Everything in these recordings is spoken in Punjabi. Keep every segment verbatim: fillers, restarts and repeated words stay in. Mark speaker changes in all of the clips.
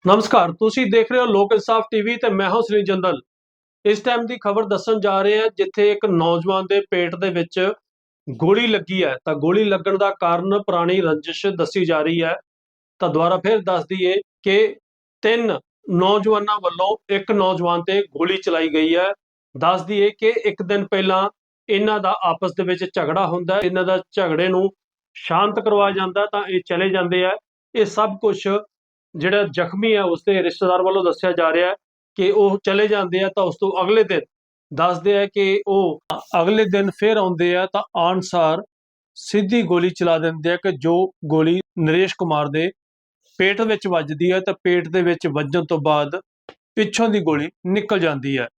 Speaker 1: नमस्कार, तुसी देख रहे हो लोक इंसाफ टीवी ते मैं हां श्री जंदल। इस टाइम की खबर दसन जा रहे हैं जिथे एक नौजवान के पेट दे विच गोली लगी है। तो गोली लगन का कारण पुरानी रंजिश दसी जा रही है। तो दोबारा फिर दस दईए कि तीन नौजवानों वालों एक नौजवान ते गोली चलाई गई है। दस दईए कि एक दिन पहला इन्हां दा आपस दे विच झगड़ा हुंदा है, इन्हां दा झगड़े नूं शांत करवाया जांदा तां इह चले जांदे आ। ये सब कुछ ਜਿਹੜਾ ਜ਼ਖਮੀ है उसके रिश्तेदार वालों दस्या जा रहा है कि वह चले जाते हैं। तो उस तो अगले दिन दसते हैं कि वह अगले दिन फिर आते हैं तो आनसार सीधी गोली चला देंगे हैं कि जो गोली नरेश कुमार के पेट में वजदी है। तो पेट के विच वजन तो बाद पिछों की गोली निकल जाती है।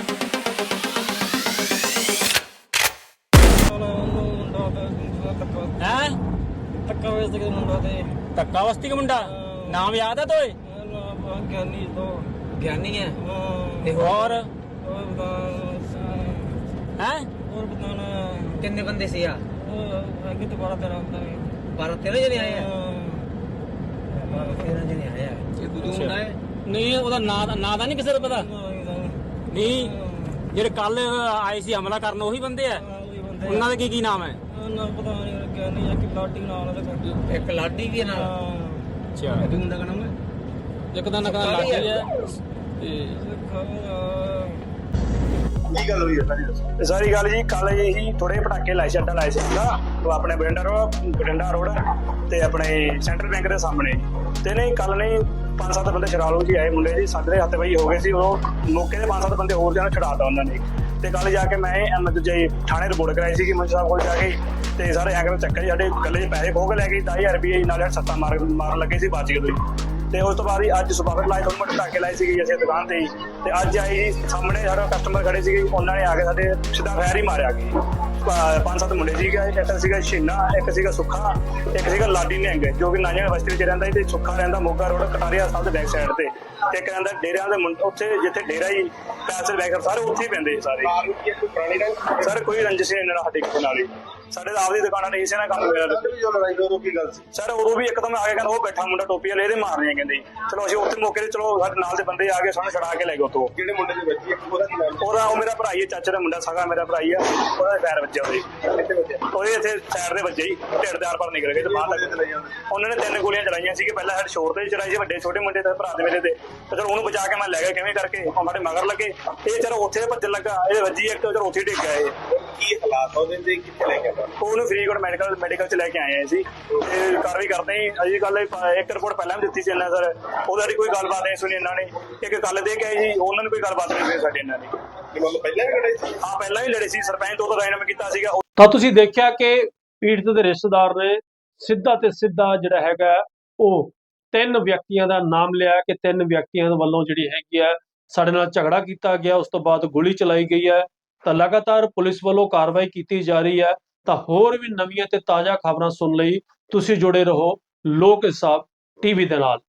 Speaker 2: धक्का वस्ती का मुंडा नाम याद है तो
Speaker 3: ज्ञानी तो
Speaker 2: ज्ञानी है
Speaker 3: हाँ,
Speaker 2: और
Speaker 3: और बताना
Speaker 2: हैं
Speaker 3: और बताना
Speaker 2: कितने बंदे से यार
Speaker 3: आगे तो बारह तेरह होता है
Speaker 2: बारह तेरह जने आए हैं
Speaker 3: हाँ,
Speaker 2: बारह तेरह जने आए हैं ये दूध मुंडा है नहीं ਉਹਦਾ ਨਾਂ ਨਾਂ ਦਾ ਨਹੀਂ ਕਿਸੇ ਨੂੰ ਪਤਾ ਨਹੀਂ ਜਿਹੜੇ ਕੱਲ ਆਏ ਸੀ ਹਮਲਾ ਕਰਨ ਉਹੀ ਬੰਦੇ ਆ ਉਹਨਾਂ ਦੇ ਕੀ ਕੀ ਨਾਮ ਹੈ
Speaker 3: ਨਾ ਪਤਾ ਨਹੀਂ ज्ञानी या कि लाटी नाल है
Speaker 2: ਇੱਕ ਲਾਡੀ ਵੀ ਹੈ ਨਾਲ ਅੱਛਾ ਇਹ ਵੀ ਮੁੰਡਾ ਦਾ ਨਾਮ ਹੈ ਇੱਕ ਦਾ ਨਾਮ ਲਾਡੀ ਹੈ ਤੇ
Speaker 4: ਕੀ ਗੱਲ ਹੋਈ ਹੈ ਸਾਰੀ ਦੱਸੋ। ਸਾਰੀ ਗੱਲ ਜੀ ਕੱਲ ਹੀ ਥੋੜੇ ਪਟਾਕੇ ਲਾਏ ਸੀ, ਅੱਡਾ ਲਾਏ ਸੀ ਨਾ ਉਹ ਆਪਣੇ ਬਰਿੰਡਾ ਰੋਡ ਬਰਿੰਡਾ ਰੋਡ ਤੇ ਆਪਣੇ ਸੈਂਟਰਲ ਬੈਂਕ ਦੇ ਸਾਹਮਣੇ। ਤੇ ਨਹੀਂ ਕੱਲ ਨਹੀਂ ਪੰਜ ਸੱਤ ਬੰਦੇ ਸ਼ਰਾਲੂ ਜੀ ਆਏ ਮੁੰਡੇ ਜੀ, ਸਾਡੇ ਹੱਥ ਵਈ ਹੋ ਗਏ ਸੀ। ਉਹ ਮੌਕੇ ਦੇ ਪੰਜ ਸੱਤ ਬੰਦੇ ਹੋਰ ਜਾਨ ਛਡਾਤਾ ਉਹਨਾਂ ਨੇ। ਤੇ ਕੱਲ ਜਾ ਕੇ ਮੈਂ ਐਮ ਜੇ ਥਾਣੇ ਰਿਪੋਰਟ ਕਰਾਈ ਸੀ ਕਿ ਮੰਚ ਸਾਹਿਬ ਕੋਲ ਜਾ ਕੇ ਤੇ ਸਾਰੇ ਐਂਗਲ ਚੱਕਰ ਜੀ ਸਾਡੇ ਗੱਲੇ 'ਚ ਪੈਸੇ ਖੋਹ ਕੇ ਲੈ ਗਏ ਦਸ ਹਜ਼ਾਰ ਰੁਪਏ ਨਾਲ ਸੱਤਾਂ ਮਾਰ ਮਾਰਨ ਲੱਗੇ ਸੀ ਬਚ ਗਏ ਤੁਸੀਂ। ਤੇ ਉਸ ਤੋਂ ਬਾਅਦ ਹੀ ਅੱਜ ਸੁਬਾਹ ਲਾਏ ਤੋਂ ਮੈਂ ਢਾਕੇ ਲਾਏ ਸੀਗੇ ਅਸੀਂ ਦੁਕਾਨ ਤੇ ਹੀ। ਤੇ ਅੱਜ ਆਈ ਜੀ ਸਾਹਮਣੇ ਸਾਡੇ ਕਸਟਮਰ ਖੜੇ ਸੀਗੇ, ਉਹਨਾਂ ਨੇ ਆ ਕੇ ਸਾਡੇ ਸਿੱਧਾ ਫੈਰ ਹੀ ਮਾਰਿਆ ਗਈ। ਪੰਜ ਸੱਤ ਮੁੰਡੇ ਸੀਗੇ, ਇੱਕ ਸੀਗਾ ਛੀਨਾ, ਇੱਕ ਸੀਗਾ ਸੁੱਖਾ, ਇੱਕ ਸੀਗਾ ਲਾਡੀ ਨਿਹੰਗ ਜੋ ਕਿ ਨਾਨਿਆਂ ਬਸਤੀ ਵਿੱਚ ਰਹਿੰਦਾ। ਤੇ ਸੁੱਖਾ ਰਹਿੰਦਾ ਮੋਗਾ ਰੋਡ ਕਟਾਰੀਆ ਸਾਹਿਬ ਦੇ ਬੈਕ ਸਾਈਡ ਤੇ, ਤੇ ਇੱਕ ਰਹਿੰਦਾ ਡੇਰਿਆਂ ਦੇ ਮੁੰਡੇ ਉੱਥੇ ਜਿੱਥੇ ਡੇਰਾ ਹੀ ਪੈਸੇ ਬੈਕ ਸਾਰੇ ਉੱਥੇ ਹੀ ਪੈਂਦੇ ਸਾਰੇ। ਸਰ ਕੋਈ ਰੰਜਿਸ਼ ਨਹੀਂ ਇਹਨਾਂ ਸਾਡੇ ਕਿਸੇ ਨਾਲ ਹੀ, ਸਾਡੇ ਤਾਂ ਆਪਦੀ ਦੁਕਾਨਾਂ ਨੇ ਇਸੇ ਨਾਲ ਕੰਮ ਹੋਇਆ। ਸਰ ਉਦੋਂ ਵੀ ਇੱਕਦਮ ਆ ਕੇ ਕਹਿੰਦਾ ਉਹ ਬੈਠਾ ਮੁੰਡਾ ਟੋਪੀ ਵਾਲੇ ਇਹਦੇ ਮਾਰਨੇ ਕਹਿੰਦੇ। ਚਲੋ ਅਸੀਂ ਉੱਥੇ ਮੌਕੇ ਤੇ ਚਲੋ ਸਾਡੇ ਨਾਲ ਦੇ ਬੰਦੇ ਆ ਕੇ ਸਾਨੂੰ ਛਡਾ ਕੇ ਲੈ ਗਏ ਉੱਥੋਂ।
Speaker 5: ਜਿਹੜੇ ਮੁੰਡੇ ਦੇ ਬੱਚੀ ਉਹਦਾ ਕੀ ਨਾਮ?
Speaker 4: ਉਹਦਾ ਉਹ ਮੇਰਾ ਭਰਾ ਹੀ ਹੈ, ਚਾਚੇ ਦਾ ਮੁੰਡਾ ਸਗਾ ਮੇਰਾ ਭਰਾ ਹੀ ਆ। ਉਹਦਾ ਪੈਰ ਵੱਜਿਆ ਉਹਦੇ ਉਹਦੇ ਇੱਥੇ ਸਾਈਡ ਦੇ ਵੱਜੇ ਹੀ ਢਿੱਡ ਦੇ ਆਰ ਪਾਰ ਨਿਕਲ ਗਏ ਤੇ ਬਾਹਰ ਲੱਗ ਗਏ। ਉਹਨਾਂ ਨੇ ਤਿੰਨ ਗੋਲੀਆਂ ਚਲਾਈਆਂ ਸੀਗੇ, ਪਹਿਲਾਂ ਸਾਡੇ ਸ਼ੋਰ ਤੇ ਚਲਾਈ ਸੀ ਵੱਡੇ ਛੋਟੇ ਮੁੰਡੇ ਤੇ ਭਰਾ ਦੇ ਮੇਰੇ ਤੇ। ਤੇ ਚਲੋ ਉਹਨੂੰ ਬਚਾ ਕੇ ਮੈਂ ਲੈ ਗਿਆ ਕਿਵੇਂ ਕਰਕੇ, ਉਹ ਸਾਡੇ ਮਗਰ ਲੱਗੇ। ਇਹ ਚਲੋ ਉੱਥੇ ਭੱਜਣ ਲੱਗਾ, ਇਹ ਵੱਜੀ ਇੱਕ ਚਲੋ ਉੱਥੇ ਡਿੱਗ ਗਿਆ। ਇਹ
Speaker 5: ਕੀ ਹਾਲਾਤ ਉਹਦੇ ਤੇ ਕਿੱਥੇ ਲੈ ਕੇ ਆਇਆ?
Speaker 4: ਉਹਨੂੰ ਫਰੀਦਕੋਟ ਮੈਡੀਕਲ ਮੈਡੀਕਲ ਚ ਲੈ ਕੇ ਆਏ ਸੀ ਤੇ ਕਾਰਵਾਈ ਕਰਦੇ ਹੀ। ਅਜੀ ਕੱਲ ਇੱਕ ਰਿਪੋਰਟ ਪਹਿਲਾਂ ਵੀ ਦਿੱਤੀ ਸੀ ਇਹਨਾਂ ਸਰ, ਉਹਦਾ ਦੀ ਕੋਈ ਗੱਲਬਾਤ ਨਹੀਂ ਸੁਣੀ ਇਹਨਾਂ ਨੇ। ਇੱਕ ਕੱਲ ਦੇ ਕੇ ਆਏ ਸੀ, ਉਹਨਾਂ ਨੂੰ ਕੋਈ ਗੱਲਬਾਤ ਨਹੀਂ ਸੁਣੀ ਸਾਡੀ ਇਹਨਾਂ ਨੇ।
Speaker 5: ਮਤਲਬ ਪਹਿਲਾਂ ਵੀ ਲੜੇ ਸੀ?
Speaker 4: ਹਾਂ ਪਹਿਲਾਂ ਹੀ ਲੜੇ ਸੀ, ਸਰਪੰਚ ਤੋਂ ਰਾਇਨਾਮਾ ਕੀਤਾ ਸੀਗਾ।
Speaker 1: ਤਾਂ ਤੁਸੀਂ ਦੇਖਿਆ ਕਿ ਪੀੜਤ ਦੇ ਰਿਸ਼ਤੇਦਾਰ ਨੇ ਸਿੱਧਾ ਤੇ ਸਿੱਧਾ ਜਿਹੜਾ ਹੈਗਾ ਉਹ ਤਿੰਨ ਵਿਅਕਤੀਆਂ ਦਾ ਨਾਮ ਲਿਆ ਕਿ ਤਿੰਨ ਵਿਅਕਤੀਆਂ ਵੱਲੋਂ ਜਿਹੜੀ ਹੈਗੀ ਆ ਸਾਡੇ ਨਾਲ ਝਗੜਾ ਕੀਤਾ ਗਿਆ, ਉਸ ਤੋਂ ਬਾਅਦ ਗੋਲੀ ਚਲਾਈ ਗਈ ਹੈ। ਤਾਂ ਲਗਾਤਾਰ ਪੁਲਿਸ ਵੱਲੋਂ ਕਾਰਵਾਈ ਕੀਤੀ ਜਾ ਰਹੀ ਹੈ। ਤਾਂ ਹੋਰ ਵੀ ਨਵੀਆਂ ਤੇ ਤਾਜ਼ਾ ਖਬਰਾਂ ਸੁਣ ਲਈ ਤੁਸੀਂ ਜੁੜੇ ਰਹੋ ਲੋਕ ਇੰਸਾਫ ਟੀਵੀ ਦੇ ਨਾਲ।